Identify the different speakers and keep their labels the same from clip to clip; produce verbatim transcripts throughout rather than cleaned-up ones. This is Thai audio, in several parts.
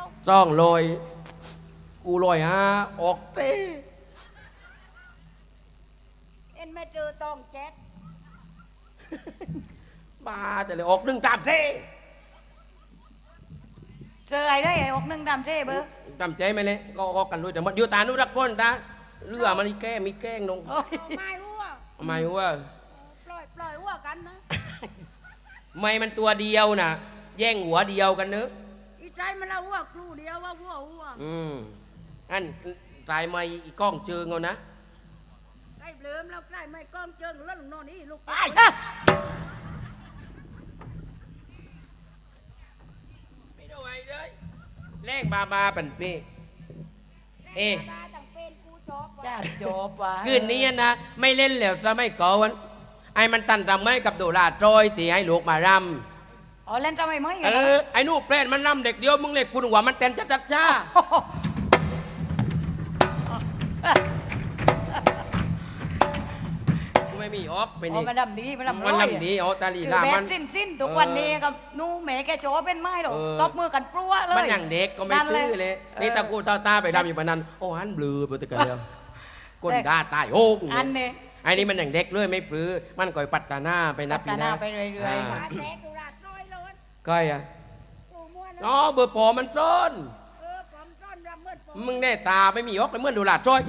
Speaker 1: ซ่องลอยกูลอยฮะออกเต้
Speaker 2: เอ็นไม่เจอตองแจ๊ด
Speaker 1: บ้าแต่เลยออกหนึ่งตามเต้
Speaker 3: เจอไอ้ได้ไอ้อกหนึ่งตามเจ้เบอร์
Speaker 1: จำใจไหมเนี่ยก็ออกกันด้วยแต่มันอยู่ตานุรักษ์ก้นตาเรือมันมีแก้มีแกล้งนง
Speaker 2: ไม่อ้ว
Speaker 1: ทำไมวะ
Speaker 2: ปล่อยปล่อยอ้วกันนะ
Speaker 1: ไม่มันตัวเดียวน่ะแย่งหัวเดียวกันเนอะ
Speaker 2: อีใจมันละอ้วครูเดียวว่าอ้วอ้ว
Speaker 1: อืมอันตายไม่อีกล้องเจิงเอานะ
Speaker 2: ใกล้เบลิมแล้วใกล้ไม่ก้องเจิงแล้วหลงนอนนี่ลูก
Speaker 1: ไปนะไม่ได้ไว้เลยแรงบาบาปันเป้เอ๊ะ
Speaker 2: ต่างเป็นกูจอบ
Speaker 3: จ้าจบว่ะ
Speaker 1: คืนนี้นะไม่เล่นแล้วจะไม่ก่อวันไอ้มันตันรำไม่กับโดราโจอยตีให้ลูกมารำ
Speaker 3: อ๋อเล่นจะไม่ไหม
Speaker 1: เออไอ้นู่นแปลนมันรำเด็กเดียวมึงเล็กคุณหัวมันเต้นจัดๆจ้าไม่มีออกไป
Speaker 3: อ๋อ
Speaker 1: นี่
Speaker 3: มันดำดีมันดำ
Speaker 1: มัน
Speaker 3: ร้อย
Speaker 1: ลำดีอ๋อตาลี
Speaker 3: คือ
Speaker 1: ลา
Speaker 3: แบ
Speaker 1: มั
Speaker 3: บ
Speaker 1: น
Speaker 3: สิ้นสิ้นทุกวันนี้กับนู่แม่แกโจเป็นไม้หรอก
Speaker 1: เออ
Speaker 3: ตบมือกันปลัวเลย
Speaker 1: มันอย่างเด็กก็ไม่ตื้อเลยนี่ตากูตาตาไปดำอยู่ปานนั้นโอ้หันบลือไปตะกันเลยก้นด่าตายโอ้
Speaker 3: อันนี้
Speaker 1: ไอ้นี่มันอย่างเด็กเลยไม่ปลื้อมันก่อยปัตตาหน้าไปนะ
Speaker 3: พั
Speaker 1: ปี
Speaker 3: ฒ
Speaker 1: ห
Speaker 3: นา
Speaker 1: น้า
Speaker 3: ไปเรื่อย
Speaker 1: า
Speaker 2: ขาแตกกูราดร้อยเลย
Speaker 1: ก้อยอ่ะ
Speaker 2: กูม้วน
Speaker 1: อ๋อเบอร์ปอมันต้น
Speaker 2: เออผมต้นรำเมื่อผม
Speaker 1: มึงแน่ตาไม่มีออกเลยเมื่อดูหลาดจ้อย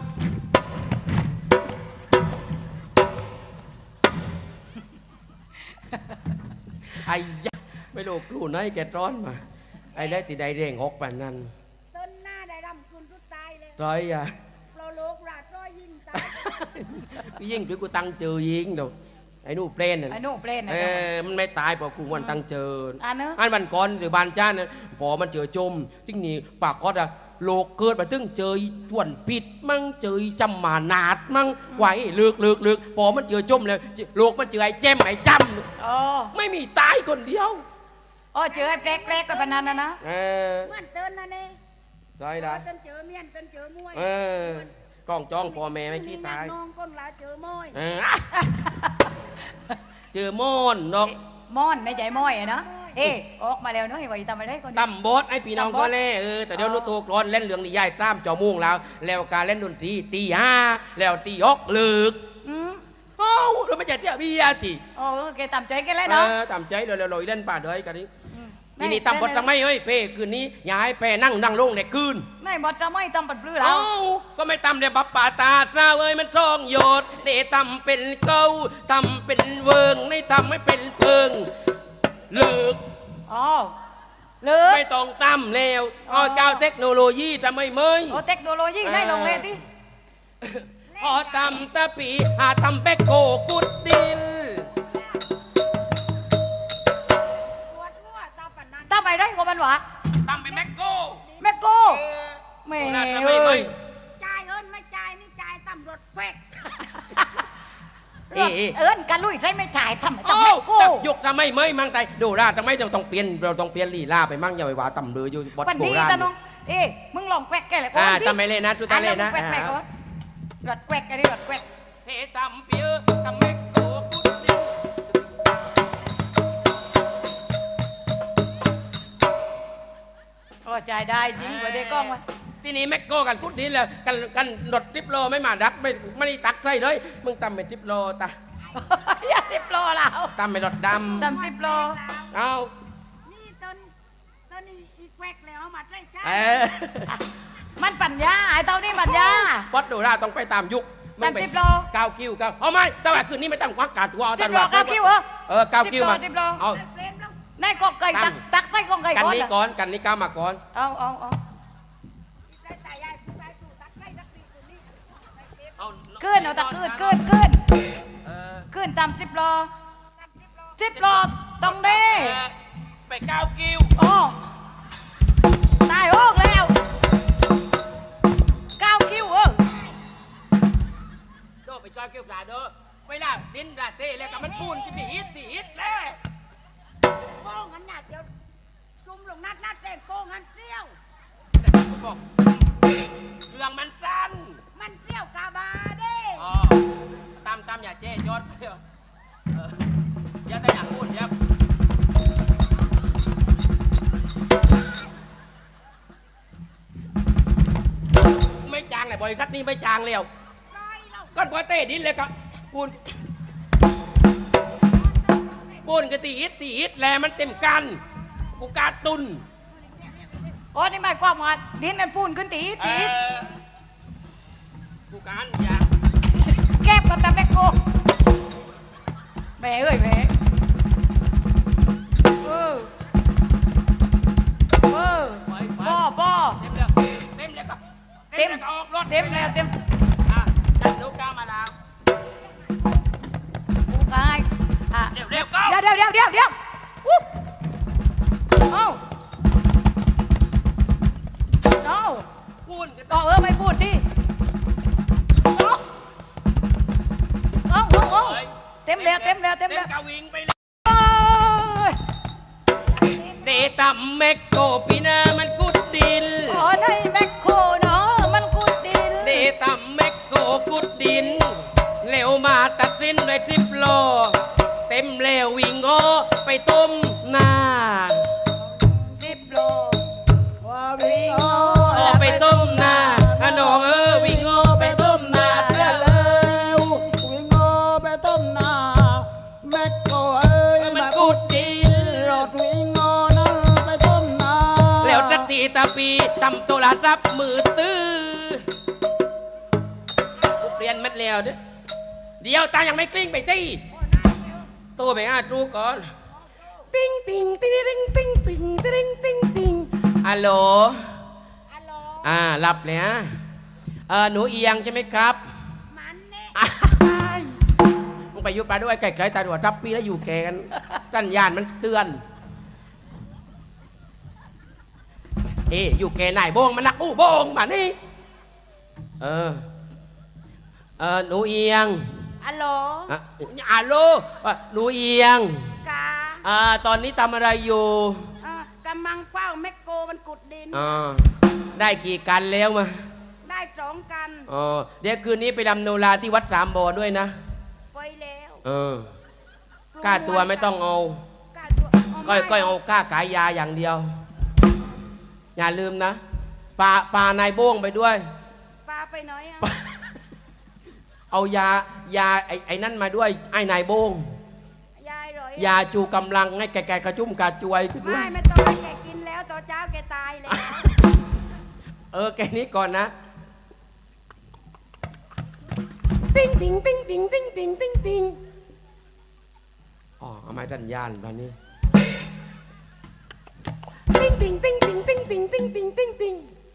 Speaker 1: ไอ้ยะไม่รู้กลู่ไหนแกร้อนมาไอ้ได้ตีได้เร่งออกปานนั้น
Speaker 2: ต้นหน้าได้รำคุณทุกตายเลย
Speaker 1: ร้อยอ่ะ
Speaker 2: โปรโลกราดร้อยยิงตาย
Speaker 1: ยิงด้วยกูตั้งเจอยิงเดี๋ยวไอ้นู่นเปลนน่ะ
Speaker 3: ๆไอ้นู่เปลนนะ
Speaker 1: เออมันไม่ตายเพราะกูวันตั้งเจอ
Speaker 3: อันเนอะ
Speaker 1: อันวันก่อนหรือบานจ้านะพอมันเจอจมทิ้งนี่ปากก็อะโลกเกิดมาตึงเจอทวนปิดมั่งเจอจำหมานาดมั่งไหวเลือกเลือกเลือกพอมันเจอจมเลยโลกมันเจอไอ้แจมไอ้จ
Speaker 3: อ๋อ
Speaker 1: ำไม่มีตายคนเดียว
Speaker 3: อ๋อเจอไอ้แปลกแปลกๆไปปานนั้นนะนะ
Speaker 1: เออ
Speaker 2: เหมื่อนเต้นนั่นเอง
Speaker 1: ใช่ได้
Speaker 2: ต้นเจอเมียนต้นเจอมวย
Speaker 1: เออกล้องจ้องพ่อแม่ไม่ขี้ตาย
Speaker 2: น้องก้นหลาเจอมวย
Speaker 1: เออเจอมอนนก
Speaker 3: ม่อนไม่ใจม้อยอะนะเอ๊ะออกมาแล้วเนาะไอ้ไว้ทำอะไรคน
Speaker 1: ตำบดไอ้พี่น้องก็เล่เออแต่เดี๋ยวรู้ตัวกรอนเล่นเรื่องนิยายซ้ำจอมุ่งแล้ว แล้วการเล่นดนตรีตีห้าแล้วตีฮกลึก
Speaker 3: อืม
Speaker 1: เอ้าเราไม่ใช่เที่ยวเบียร์สิ
Speaker 3: โอ้แกตามใจแกันแล้ว
Speaker 1: เอ
Speaker 3: เนาะ
Speaker 1: อตามใจเราเราเล่นป่าเดยกันนี้
Speaker 3: ม
Speaker 1: ทีนี้ตำบดทำไมเฮ้ยเป้คืนนี้อย่าให้เป้นั่งนั่งลงเด็กคืน
Speaker 3: นายบอสจะไม่ตำปัดปลื้อแล้
Speaker 1: เอ้าว ก็ไม่ตำเดี๋ยวบับป่าตาซาเอ้ยมันช่องโยดเดตำเป็นเก้าตำเป็นเวิงในตำไม่เป็นเพิงเลิก
Speaker 3: อ๋อเลือ
Speaker 1: ไม่ต้องตำแล้วอ๋อเจ้าเทคโนโลยีทำไมเมย
Speaker 3: โอ้เทคโนโลยีได้ลงเลยที่
Speaker 1: พอตำตะปีหาตำแบกโกกุดดิน
Speaker 2: ปวดหัวตาปันนั้น
Speaker 3: ตามไปได้ก็มันหวะ
Speaker 1: ตำเป็นแบกโก
Speaker 3: แม่โก้
Speaker 1: เออ
Speaker 3: แม่
Speaker 1: โคราชทำไม
Speaker 3: เอ้
Speaker 1: เม
Speaker 3: ย
Speaker 1: ย
Speaker 2: จ่ายเอินไม่จ่ายนี่จ่ายตำรวจแควก
Speaker 1: เอ๊ะเอ๊ะ
Speaker 3: เอิญกันลุยใช่ไม่จ่ายทำไม
Speaker 1: โอ้
Speaker 3: ทำแม่โก้
Speaker 1: ตับยกทำไมเมยมั่งใจดูราทำไมเราต้องเปลี่ยนเราต้องเปลี่ยนลีลาไปมั่งอย่าไปว่าตำเลยอยู่บด
Speaker 3: วัน
Speaker 1: โบ
Speaker 3: นี้
Speaker 1: ราณ
Speaker 3: ตาน้องเอ๊ะมึงลองแกวกแกเลยก่อน
Speaker 1: อ่า
Speaker 3: ดิ
Speaker 1: ทำไมเล่นนะจุตาเล่นนะ
Speaker 3: อ่ะลองแกวกแกก่อนรถแกวกกันดิรถแกวก
Speaker 1: เฮตำเปียตำแบกโกกุดดิน
Speaker 3: โอ้จ่ายได้จริงกว่าเด็กกล้องวะ
Speaker 1: ทีนี้แม็กโกกันกุดดินแล้วกันกันรถทริปโลไม่มาดักไม่ไม่ได้ตักใส่เลยมึงตำเป็นทริปโลตา
Speaker 3: อย่าสิบโลแล้ว
Speaker 1: ตำเป็นรถดำ
Speaker 3: ตำสิบโล
Speaker 1: เอา
Speaker 2: นี่ต้นต้นนี้อีแควกแล้วเอามาใช้ใช้
Speaker 1: เออ
Speaker 3: มันปัญญาไอ้เต้านี่ปัญญา
Speaker 1: บอสดูราต้องไปตามยุค
Speaker 3: ตามสิบโล
Speaker 1: เก้าคิวเก้าเอาไม่แต่ว่าคืนนี้ไม่ต้องควักกาดตัวเอา
Speaker 3: สิ
Speaker 1: ตา
Speaker 3: บ
Speaker 1: ด
Speaker 3: โล
Speaker 1: ว่า
Speaker 3: เก้าคิวเหรอ
Speaker 1: เออเก้าคิวมา
Speaker 3: สิบโล
Speaker 1: เอา
Speaker 2: เฟรมแล้ว
Speaker 3: นายกอกไก่ตักตักใส่กองไก่
Speaker 1: กัน
Speaker 3: ก่อน
Speaker 1: นี้
Speaker 3: อะ
Speaker 1: ก่อนกันนี้ก้าวมาก่อน
Speaker 3: เอาเอาเอา
Speaker 2: ได้ตายายผู้ชายสู่ตักไล่ตักตีตัวนี้
Speaker 1: เอา
Speaker 3: ขึ้นเอาตะขึ้นขึ้นขึ้น
Speaker 1: เออ
Speaker 3: ขึ้นตามสิบโล
Speaker 2: ตำสิบโล
Speaker 3: สิบโลต้องได้
Speaker 1: เออไปเก้าคิว
Speaker 3: โอ้ตายโอกแล้วเก้าคิวเออ
Speaker 1: โดไปเก้าคิวปลาเด้อเวลาดินราเต้แล้วกับมันปูนกินดีอิดดีอิดแล้ว
Speaker 2: โป้งหันหน้าเดียวจุ่มลงนัดนัดแดงโป้งหันเสี้ยว
Speaker 1: แต่ผมบอกเรื่องมันสั้น
Speaker 2: มันเสี้ยวกาบาเด้
Speaker 1: อ๋อตามตามอย่าเจ๊ยศเอออย่าแต่อย่างพูดอย่าบริษัทนี้ไม่จางแล้ว
Speaker 2: ร้อยเรา
Speaker 1: ก้อนปอยเต้ดินเลยก็ปูนปูนก็ตีอิดตีอิดแลมันเต็มกันกูการตุน
Speaker 3: โอ้นี่หมายความว่าดินนั่นปูนขึ้นตีตี
Speaker 1: เอ่อกูการอยาก
Speaker 3: แก็บกับตะแบกโกแม่เอ้ยแม่เออเออ
Speaker 1: ไปไป
Speaker 3: ป้อป้อ
Speaker 1: เต็มแล้วเต็มแล้วก็
Speaker 3: เต็ม
Speaker 1: แล้วก็ออกรถ
Speaker 3: เต็มแล้วเต็ม
Speaker 1: อ่ะจัดลูกกามาแล้ว
Speaker 3: กูกายอ่ะ
Speaker 1: เร็วเร็วก็
Speaker 3: เดี๋ยวเดี๋ยวเดี๋ยวเดี๋ยวเดี๋ยวอุ๊บเอ้าเอ้า
Speaker 1: ปูนก็
Speaker 3: ก็เออไม่พูดดิเอ้าเอ้าเอ้าเอ้าเต็มแล้วเต็มแล้วเต็มแล้ว
Speaker 1: กาวิงไปเลย
Speaker 3: โอ้ย
Speaker 1: เตะต่ำแมกโกปีนามันกุดดิน
Speaker 3: โอ้ในแมคโครเนาะมันกุดดิน
Speaker 1: เตะต่ำแมกโกกุดดินเร็วมาตัดสินด้วยทริปโลเต็มเร็ววิ่งโอไปต้มหน้า
Speaker 3: ดิบโล
Speaker 4: ว่าวิ่งโอ
Speaker 1: โอไปต้มหน้าอะน้องเออวิ่งโอไปต้มหน้า
Speaker 4: ได้แล้ววิ่งโอไปต้มนาแม็กโกเอ้ย
Speaker 1: มัน
Speaker 4: มา
Speaker 1: กุดดิน
Speaker 4: รถวิ่งโอนั้นไปต้มนา
Speaker 1: แล้วสตีตาปีตำโตลาซับมือตื้อกูเปลี่ยนมัดแล้วเด้อเดี๋ยวตายังไม่กลิ้งไปตีตัวไปอ่ะจูก่อนติ้งติ้งติ้งติ้งติ้งติ้งติ้งติ้งติ้งฮัลโหล
Speaker 2: ฮัลโหล
Speaker 1: อ่าหลับเลยฮะเออหนูเอียงใช่ไหมครับ
Speaker 2: มันเนี่ย
Speaker 1: อ้ายมึงไปอยุบปลาด้วยไก่ไก่ตาหัวทับปีแล้วอยู่แกกันสัญญาณมันเตือน เอ้อยู่แกไหนโบงมันนักอู้โบงมานี่เออเออหนูเอียง
Speaker 2: ฮัลโหล
Speaker 1: อ่ะอาโลอ่ะหนูเอียง
Speaker 2: กา
Speaker 1: อ่าตอนนี้ทำอะไรอยู่
Speaker 2: เอ่อกำลังเฝ้าแมคโกมันกุดดิน
Speaker 1: อ่าได้กี่กันแล้วมา
Speaker 2: ได้สองกัน
Speaker 1: อ๋อเดี๋ยวคืนนี้ไปดำโนราที่วัดสามบ่อด้วยนะ
Speaker 2: ไปแล้ว
Speaker 1: เออก้าตัวไม่ต้องเอา
Speaker 2: กล้าตัวเอา
Speaker 1: ก้อย
Speaker 2: ไม่
Speaker 1: ก้อยเอาก้าขายยาอย่างเดียว อย่าลืมนะปลาปลานายโบ้งไปด้วย
Speaker 2: ปลาไปไหนอ่ะ
Speaker 1: เอายายาไอ้ไอ้นั่นมาด้วยไอ้นายโบ้ง
Speaker 2: ยายเหรอย
Speaker 1: าจูกำลังให้แกแกกระจุ่มกระจวยขึ้นด้ว
Speaker 2: ไม่
Speaker 1: ย
Speaker 2: ไม่ต้องให้แกกินแล้วตอนเช้าแกตายแล้ว
Speaker 1: เออแกนี้ก่อนนะติ้งติ้งติ้งติ้งติ้งติ้งติ้งติ้งอ๋อเอาไม้ดันยานตอนนี้ติ้งติ้งติ้งติ้งติ้งติ้งติ้งติ้งติ้งติ้ง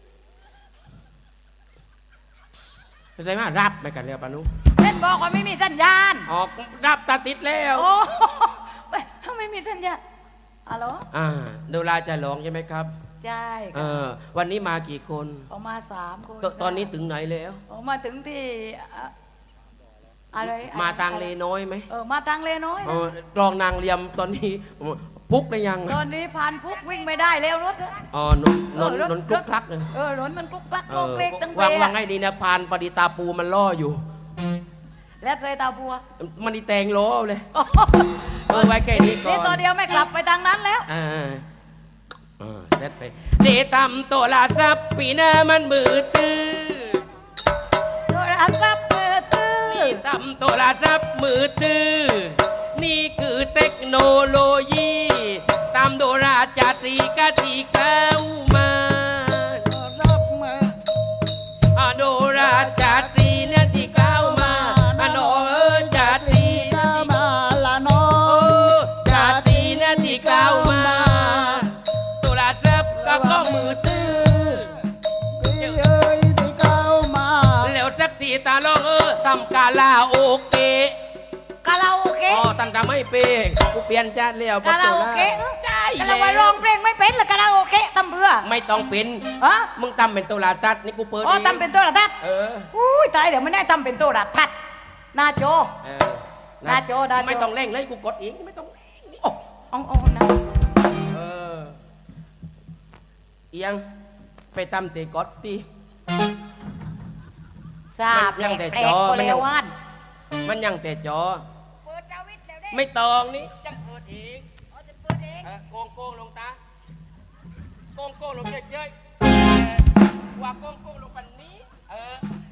Speaker 1: อะไรมารับไปกันแล้วปานุ
Speaker 3: เล่นบอกว่าไม่มีสัญญาณ
Speaker 1: ออกรับตาติดแล้ว
Speaker 3: โอ้ไปไม่มีสัญญาณฮัลโหล
Speaker 1: อ่าดูลาจะร้องใช่ไหมครับ
Speaker 3: ใช่
Speaker 1: เออวันนี้มากี่คน
Speaker 3: ออกมาสามคน
Speaker 1: ตตอนนี้ถึงไหนแล้ว
Speaker 3: ออกมาถึงที่อะอะไร
Speaker 1: มาทางเลน้อยไหม
Speaker 3: เออมาทางเลน้อย
Speaker 1: เอ
Speaker 3: นะ
Speaker 1: อรองนางเลียมตอนนี้พุกได้ยัง
Speaker 3: ตอนนี้ผ่านพุกวิ่งไม่ได้แล้วรถอะ
Speaker 1: อ๋อนนนนนนกลุกคลักเลย
Speaker 3: เออรถมันกลุกกลัก
Speaker 1: เอ
Speaker 3: โก
Speaker 1: อ
Speaker 3: เกรกตั้ง
Speaker 1: วาง
Speaker 3: เป
Speaker 1: วางให้ดีนะพานปฏิตาปูมันล่ออยู่
Speaker 3: แล้วเคยตาบัว
Speaker 1: มันดีแตงล้อเลย เออไว้แค่นี้ก่อน
Speaker 3: นี่ตัวเดียวไม่กลับไปทางนั้นแล้ว
Speaker 1: อ่าอ่าเสร็จไปเดตำตัวลาซับปีหน้ามันมือตื้อ
Speaker 3: โทรศัพท์มือถือ
Speaker 1: นี่ตำตัวลาซับมือตื้อนี่คือเทคโนโลยีตำโดราจาตรีกาตีเก้ามา
Speaker 4: รับมา
Speaker 1: อะโดราจาตรีเนี่ยที่เก้ามาอะโนเอิญจาตรี
Speaker 4: ก้าวมาละน้อ
Speaker 1: โอ้จาตรีเนี่ยที่เก้ามาตัวลาซับก็ก็มือตื้อ
Speaker 4: พี่เอ้ยที่ก้าวมา
Speaker 1: แล้วสักทีตาลองเออทำกาลาโอเกะ
Speaker 3: คาราโอเกะ
Speaker 1: อ๋อตั้งแต่ไม่เปกกูเปลี่ยนจานแล้ว
Speaker 3: คาราโอเกะ
Speaker 1: ใช่
Speaker 3: คา
Speaker 1: แล้
Speaker 3: ราว่าร้องเพลงไม่เป็นหรือคาราโอเกะตำเรือ
Speaker 1: ไม่ต้องเป็น
Speaker 3: ฮะ
Speaker 1: มึงทำเป็นตัวลาตัดนี่กูเปิด
Speaker 3: อ๋อ
Speaker 1: เอง
Speaker 3: ตำเป็นตัวระทัด
Speaker 1: เออ
Speaker 3: อุ้ยตายเดี๋ยวไม่ได้ตำเป็นตัวระทัดหน้าโจ
Speaker 1: เออ
Speaker 3: หน้าโจ้หน้าโจ้
Speaker 1: ไม่ต้องเร่งเลยกูกดเองไม่ต้องเร่งนี่โอ้
Speaker 3: อ๋องอ๋องนะ
Speaker 1: เออเอียงไปทำเตะกอดตี
Speaker 3: ทราบ
Speaker 1: มันยังแต่
Speaker 3: แปล
Speaker 1: จ
Speaker 3: ก
Speaker 1: อ
Speaker 3: ๆก็
Speaker 1: มันยั
Speaker 3: แล้
Speaker 1: ง
Speaker 3: วว่าน
Speaker 1: มันยังแต่จอ
Speaker 2: เปิดดาวิดแล้วเด้
Speaker 1: ไม่ตองนี่จังเปิดเอง
Speaker 2: อ๋อจะเปิดเอง
Speaker 1: เออโกงโกงลงตาโกงโกงลงเยอะๆเออว่าโกงโกงลงปันนี้เออ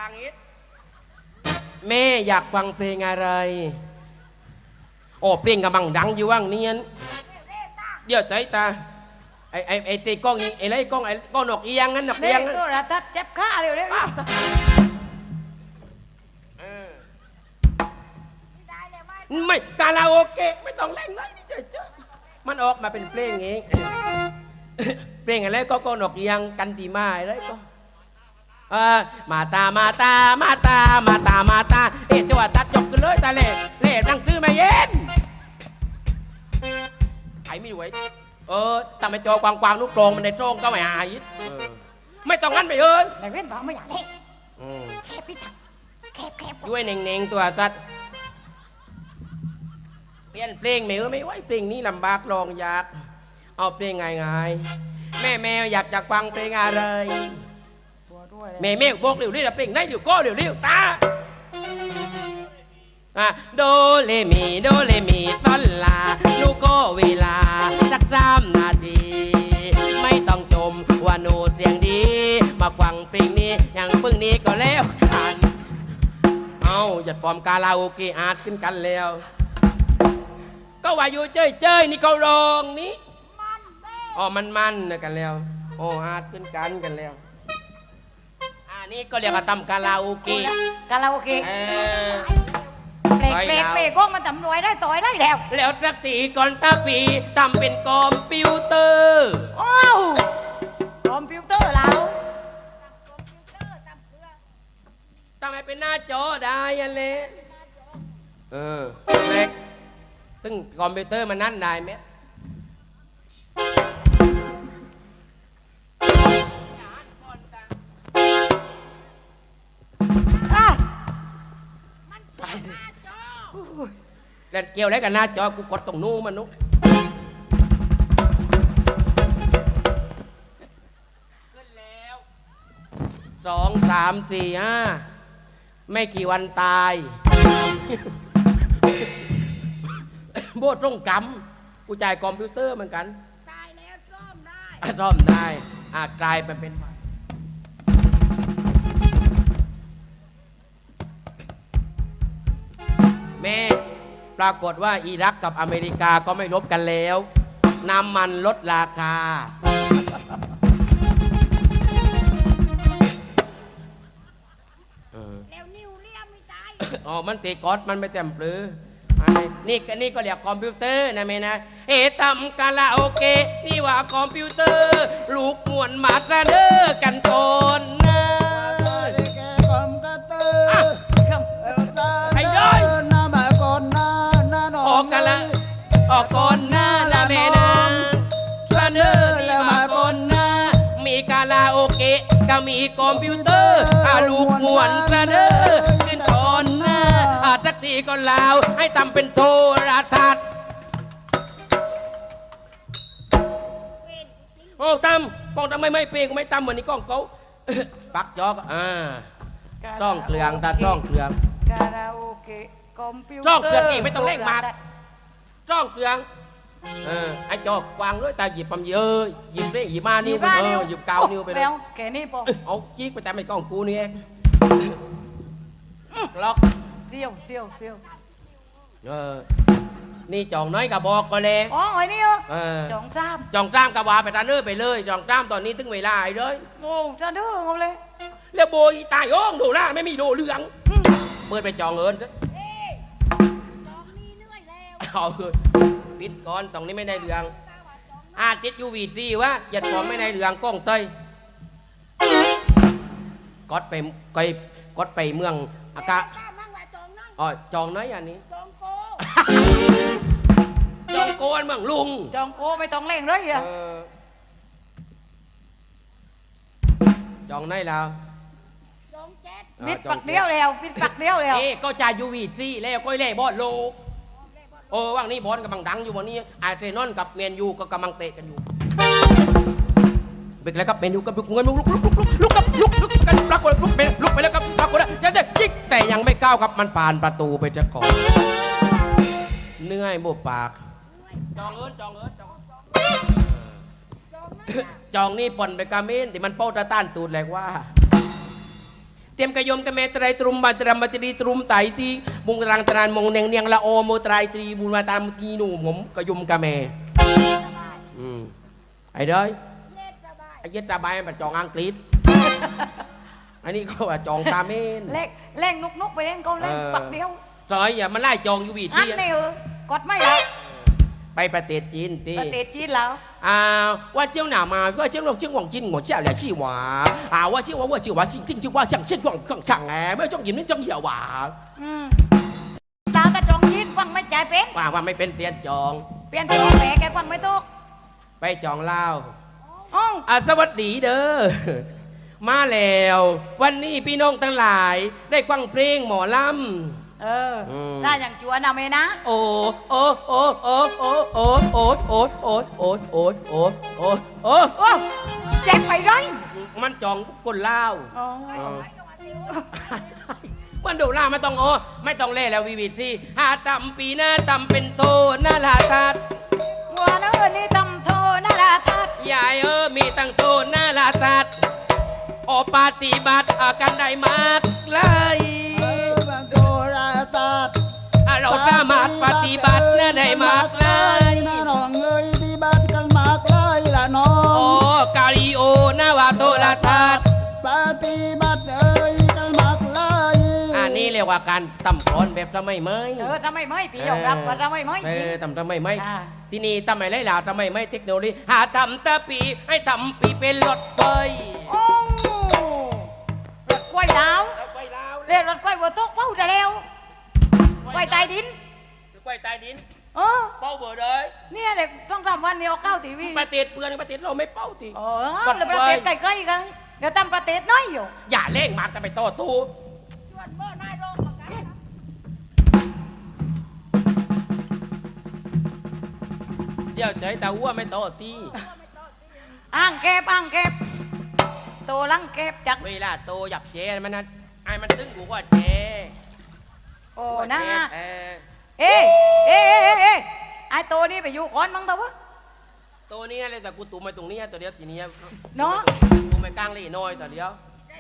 Speaker 1: างอีกแม่อยากฟังเพลงอะไรโอ้เพลงกำลังดังอยู่ว่างเนียนเดี๋ยวใจตาไอ้ไอ้ไอ้ตีกล้องอีไอ้ไรกล้องไอ้กล้องนกเอียงงั้นนก
Speaker 3: เด็
Speaker 1: เอียง
Speaker 3: ก
Speaker 1: งั้น
Speaker 3: ตัวระทัดเจ็บขาเร็วเร็ว
Speaker 1: เออไม่คาราโอเกะไม่ต้องเล่นเลยนี่เฉยๆมันออกมาเป็นเพลงเองเพลงอะไรก็ก็นกเอียงกันตีมาอะไรก็เออมาตามาตามาตามาตามาตาเอ๊ะจังหวะตัดจบกันเลยตาเล่เล่นั่งตื้อมาเย็นไอ้ไม่ไหวเออทำไมจอกวางๆนุกโกรงมันในโจงก็ไม่หายเออไม่ต้องงั้นไปเอิญ
Speaker 3: ในเว้นบอกไม่อยากเล่น
Speaker 1: อืม
Speaker 3: แคบพี่ถักแคบแคบ
Speaker 1: ด้วยเน่งๆตัวตัดเปลี่ยนเพลงไม่เออไม่ไหวเพลงนี้ลำบากลองอยากเอาเพลงง่ายๆแม่แม่อยากจะฟังเพลงอะไร
Speaker 3: ตัวด้วย
Speaker 1: แม่แม่บอกเร็วนี่ละเพลงไหนเดี๋ยวก็เดี๋ยวเร็วตาอ่ะโดเลมีโดเลมีซอนลาลูกก็เวลาสักสามนาทีไม่ต้องชมว่าหนูเสียงดีมาฟังเพลงนี้อย่างพึ่งนี้ก็แล้วกันเอาอย่าปลอมคาราโอเกะอาร์ตขึ้นกันแล้ว ก็ว่าอยู่เจ้ยเจ้ยนี่เขาร้องนี้อ๋อมันมันนะกันแล้วโอ้อาร์ตขึ้นกันกันแล้วอันนี้ก็เรียกว่าทำคาราโอเกะ
Speaker 3: คาราโอเกะ
Speaker 1: เออ
Speaker 3: เปลกเปลกเปลกก็มันทำรวยได้ต่อยได้แล้ว
Speaker 1: แล้วสักตีก่อนตาปีทำเป็นคอมพิวเตอร์
Speaker 3: โอ้าวคอมพิวเตอร์เรา
Speaker 1: ทำไมเป็นหน้าจอได้ยันเลยเออเล็กซึ่งคอมพิวเตอร์มันนั่นได้ไหม
Speaker 3: อ่ะ
Speaker 1: แล้วเกี่ยวอะไรกับหน้าจอกูกดตรงนู้นมันนุ๊กขึ้นแล้วสองสามสี่ห้าไม่กี่วันตาย โบตรงกำกูจ่ายคอมพิวเตอร์เหมือนกัน
Speaker 2: ตายแล้วซ่อมได้
Speaker 1: อ่ะซ่อมได้อ่ะกลายไปเป็นใหม่แม่ปรากฏว่าอิรักกับอเมริกาก็ไม่รบกันแล้วน้ำมันลดราคา
Speaker 2: แล้วนิวเลียมไม่ตาย
Speaker 1: อ๋อมันตีกอดมันไม่เต็มปลืออันนี้นี่ก็นี่ก็เรียกคอมพิวเตอร์นะแม่นะเอทำคาราโอเกะนี่ว่าคอมพิวเตอร์ ลูกมวนมาซะเด้อกันก่อนนะ ไอ้ย้อย ออกกันละออกก่อนหน้าละแม่นะซะเด้อนี่ว่าก่อนหน้ามีคาราโอเกะก็มีคอมพิวเตอร์อาลูกมวนซะเด้อขึ้นก่อนหน้าอาสักทีก็ลาวให้ทำเป็นโทรทัศน์
Speaker 2: เวนจริง
Speaker 1: โอ้ตำปองทำไมไม่เปย์กูไม่ตำเหมือนนี่กล้องเขา ปักจอกอ่าต้องเกลืองตาต้องเกลือง
Speaker 3: คาราโอเกะคอมพิวเตอร์
Speaker 1: จ้องเกลืองอีกไม่ต้องเร่งมากจ้องเกลืองเออไอ้จอกวางด้วยตาหยิบปั๊มเยอะหยิบได้หยิบมานิ้วไปเออหยิบเกานิ้วไปเลย
Speaker 3: แล้วแกนี่ปอง
Speaker 1: เอาจี๊กไปแต่ไม่กล้องกูนี่เองล็อก
Speaker 3: เซี่ยวเซี่ยวเซี่ยว
Speaker 1: เออนี่จองน้อยกับบอกก็เลย
Speaker 3: อ๋อไอ้นี่เหรอ
Speaker 1: เออ
Speaker 3: จองซ้
Speaker 1: จองจ้ามกับวาไปตาเนื้อไปเลยจองจ้ามตอนนี้ถึงเวลาไอ้เลย
Speaker 3: ำโอ้จะดื้อเอาเลย
Speaker 1: แล้วโบยตายโอ้งดูหน้าไม่มีดูเหลืองเปิดไปจองเอิญ
Speaker 2: เอ้ยจองนี่เหนื่อยแล้ว
Speaker 1: เอาคือปิดก่อนตรงนี้ไม่ได้เหลืองอาติดยูวีซีว่าหยัดของไม่ได้เหลืองกล้องเตยกดไปไกกดไปเมืองอากาศ
Speaker 2: ป้ามั่งว่าจองนั่ง
Speaker 1: อ๋อจองน้อยอันนี้
Speaker 2: จองโก
Speaker 1: จองโกนเมืองลุง
Speaker 3: จองโกไม่ต้องเร่งเลยอ่ะ
Speaker 1: เออจองน้อยแล้ว
Speaker 2: จองเจ็ด
Speaker 1: อ่า
Speaker 3: ปิด
Speaker 1: จอง
Speaker 3: ปักเดียวแล้วปิดปักเดียวแล้ว
Speaker 1: เอ๊ะก็จ่ายยูวีซีแล้วก็เล่บอลโลกโอ้ว่างนี้บอลกำลังดังอยู่วันนี้อาร์เซนอลกับแมนยูก็กำลังเตะกันอยู่เบรกแล้วครับแมนยูกับลุกเงินลุกลุกลุกลุกลุกลุกกับลุกลุกกันปรากฏลุกไปลุกไปแล้วครับปรากฏยังจะยิงแต่ยังไม่ก้าวครับมันผ่านประตูไปจะก่อนเหนื่อยบุบปากจองเอิญจองเอิญจอง
Speaker 2: จองนั่ง
Speaker 1: จองนี่ป่นไปกาเมนที่มันเป้าตาต้านตูดแหลกว่าเตรียมกระยมกระเมตรายตรุมบันตรมบัตรีตรุมไตตีบุงตรังตรานมงเนียงเนียงละโอโมตรายตรีบุญมาตามกีนูผมกระยมกระเมอืมไอ้เด้ย
Speaker 2: เย็ดสบาย
Speaker 1: ไอ้เย็ดตาใบมันจองอังกฤษ อันนี้ก็ว่าจองตาเมน
Speaker 3: เล่งเล่งนุกนุกไปเล่นก็เล่น
Speaker 1: เออ
Speaker 3: ปักเดียว
Speaker 1: ซอยอย่ามาไล่จองอยู่วี
Speaker 3: อัน
Speaker 1: ที่
Speaker 3: นี้เออกดไม่แล้ว
Speaker 1: ไปประเทศจีนตี
Speaker 3: ประเทศจีนแล้ว
Speaker 1: อ่าว่าเจ้าหนามาว่าเจ้าลงเจ้าหวังจินหัวเจ้าแหล่ชี่หวาอ่าว่าเจ้าว่าว่าเจ้าว่าจริงจริงเจ้าว่าจังเช่นหวังขังช่างแหมไม่จ้องยินไม่จ้องเหี่ยวหวา
Speaker 3: อืมลาวกระจองจีนฟังไม่ใจายเป็น
Speaker 1: ว่าว่าไม่เป็นเปลี่ยนจอง
Speaker 3: เปลี่ยนเป็นแหมแกฟังไม่ตก
Speaker 1: ไปจองเล่าว
Speaker 3: อ๋อ
Speaker 1: อ่าสวัสดีเด้อ มาแล้ว วันนี้พี่น้องทั้งหลาย ได้ฟังเพลงหมอลำ
Speaker 3: เอออ
Speaker 1: ม
Speaker 3: ได้อย่างจวนเอาไหมนะ
Speaker 1: โอ้โอ้โอ้โอ้โอ้โอ้โอ้โอ้โอ้โอ้โอ้โอ้โอ้โอ้
Speaker 3: โอ้แจ็คไปไร
Speaker 1: มันจองคนเล่าว
Speaker 3: อ๋อ
Speaker 1: มันดูล่าไม่ต้องโอ้ไม่ต้องเล่แล้ววิวิตสิหาตำปีหน้าตำเป็นโตหน้าลาทัด
Speaker 3: วัวเนื้อนี่ตำโทนาราทัด
Speaker 1: ยายเออมีตั้งโตหน้าลาทัดโอปฏิบัติอากันได้มากเลย
Speaker 4: เออบังโกราตาด
Speaker 1: อ่ะเราสามารถปฏิบัติน่าได้มากเลย
Speaker 4: น้าน้องเอ้ยที่บ้านกันมากเลยล่ะน้อ
Speaker 1: โอ้
Speaker 4: ง
Speaker 1: กาลิโอหน้าวาโตลาทัด
Speaker 4: ปฏิบัติเอ้ยกันมากเลย
Speaker 1: อันนี้เรียกว่าการตำกรอนแบบทำไมไม่
Speaker 3: เออทำไมไม่พี่ยอมรับว่าทำไมไม่
Speaker 1: เออทำทำไมไม่
Speaker 3: อ่า
Speaker 1: ที่นี่ทำไมไรล่ะทำไมไม่เทคโนโลยีหาทำตะปีให้ทำปีเป็นรถไฟ
Speaker 3: โอ้รถกล้วยดาว
Speaker 1: รถไฟลาว
Speaker 3: เรียกรถกล้วยวัวโต๊ะเป้าจะแล้วกล้วยใต้ดิน
Speaker 1: รถไฟใต้ดิน
Speaker 3: เออ
Speaker 1: เป้าเบอร์เลย
Speaker 3: เนี่ยเด็กต้องทำวันเดียวเข้าทีวี
Speaker 1: ประเทศเปือนประเทศเราไม่เป้าที
Speaker 3: เออแล้วประเทศใกล้ๆกันเดี๋ยวตั้งประเทศน้อยอยู่
Speaker 1: อย่าเล่งมากแต่ไปต่อตู้
Speaker 2: ชวนเมื่อนายโรงมากันนะ
Speaker 1: เดี๋ยวใจตาวัวไม่ต่อตี
Speaker 3: อ่างเก็บอ่างเก็บโตลังเก็บจัก
Speaker 1: เวลาโตหยับเจมันนะไอ้มันตึงกูว่าเจ
Speaker 3: โอ้นะ
Speaker 1: เออ
Speaker 3: เอ๊ะเอ๊ะเอ๊ะเอ๊ะไอ้โตนี่ไปอยู่ก่อนมั้งตัววะ
Speaker 1: ตัวนี้เลยแต่กูตุ่มไปตรงนี้ตัวเดียวทีนี้
Speaker 3: เนาะ
Speaker 1: ตุ่มไปกลางเลยน้อยตัวเดียว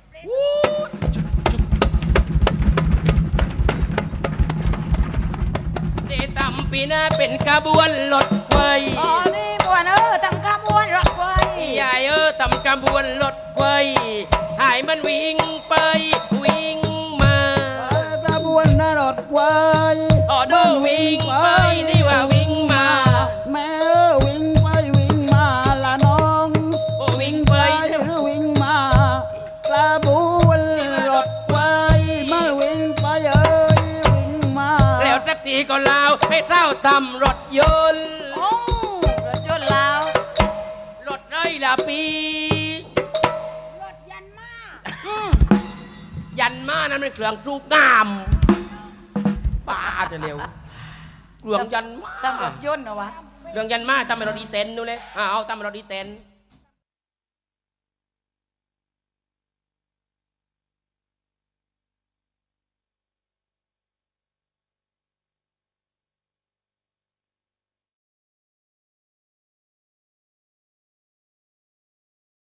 Speaker 1: เดตำปีหน้าเป็นกระบวนรถไฟ
Speaker 3: อ๋อนี่บัวเนอทำขบวนรถไฟ
Speaker 1: ยายเออตำกระบวนรถไฟหายมันวิ่งไปวิ่งมา
Speaker 4: กระบวนนรถไว้
Speaker 1: ออโดวิ่งไปนี่ว่าวิ่งมา
Speaker 4: แม่เอ้ยวิ่งไปวิ่งมาละน้อง
Speaker 1: โอ้วิ่งไป
Speaker 4: หรือวิ่งมากระบวนรถไว้มาวิ่งไปเอ้ยวิ่งมา
Speaker 1: แล้วสักทีก็ลาวให้เท่าตำรถยนต์
Speaker 3: โอ้รถยนต์ลาว
Speaker 1: รถไรละปี
Speaker 2: รถยันมา
Speaker 3: อืม
Speaker 1: ยันมานั้นเป็นเครื่องรูปงามป้าจะเร็วเครื่องยันมา
Speaker 3: ทำรถยนต์เหรอวะ
Speaker 1: เครื่องยันมาทำเป็นรถดีเต็นนู่นเลยอ่าเอาทำเป็นรถดีเต็น